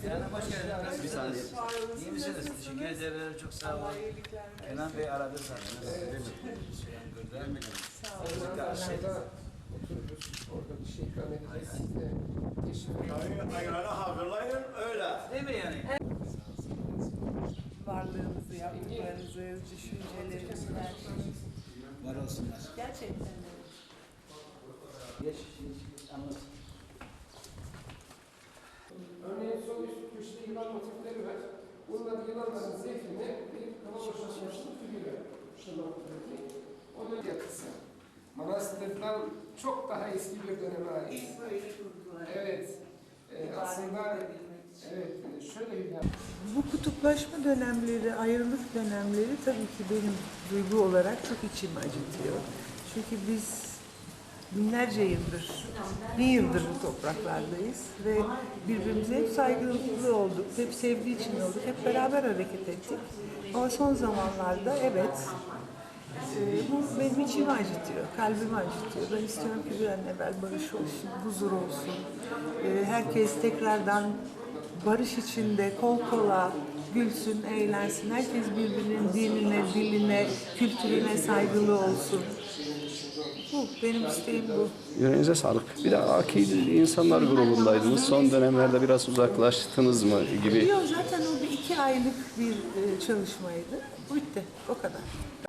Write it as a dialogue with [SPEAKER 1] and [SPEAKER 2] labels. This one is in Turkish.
[SPEAKER 1] Kenan hoş geldiniz.
[SPEAKER 2] Bir saniye.
[SPEAKER 1] İyi misiniz? Teşekkür ederim. Çok sağ olun. Kenan Bey aradı zaten.
[SPEAKER 3] Aşağıda otururuz. Orada bir şey ikram edeceğiz. Size teşvik edeceğiz.
[SPEAKER 2] Ayranı hazırlayın öyle.
[SPEAKER 1] Değil mi yani?
[SPEAKER 4] Varlığınızı, yaptıklarınızı, düşüncelerinizi, her şeyi.
[SPEAKER 1] Var olsunlar.
[SPEAKER 4] Gerçekten öyle.
[SPEAKER 1] Geç, anlat.
[SPEAKER 3] Örneğin sol üst köşede yılan motifleri var. Bunlar yılanların zevkine bir kalabalıklaşmasının figürü. Şunun ortadaki. O da yapısı. Manastırdan çok daha eski bir döneme ait.
[SPEAKER 4] İlk böyle kurdular.
[SPEAKER 3] Evet. Aslında evet, şöyle bir
[SPEAKER 5] Bu kutuplaşma dönemleri, ayrılık dönemleri tabii ki benim duygu olarak çok içimi acıtıyor. Çünkü biz binlerce yıldır, 1000 yıldır bu topraklardayız ve birbirimize hep saygılı olduk, hep sevdiği için olduk, hep beraber hareket ettik. Ama son zamanlarda evet, bu benim içimi acıtıyor, kalbimi acıtıyor. Ben istiyorum ki bir an evvel barış olsun, huzur olsun. Herkes tekrardan barış içinde kol kola gülsün, eğlensin. Herkes birbirinin dinine, diline, kültürüne saygılı olsun. Bu, benim isteğim bu.
[SPEAKER 2] Yüreğinize sağlık. Bir de akil insanlar grubundaydınız. Son dönemlerde biraz uzaklaştınız mı gibi.
[SPEAKER 5] Yok, zaten o bir 2 aylık bir çalışmaydı. Bitti, o kadar.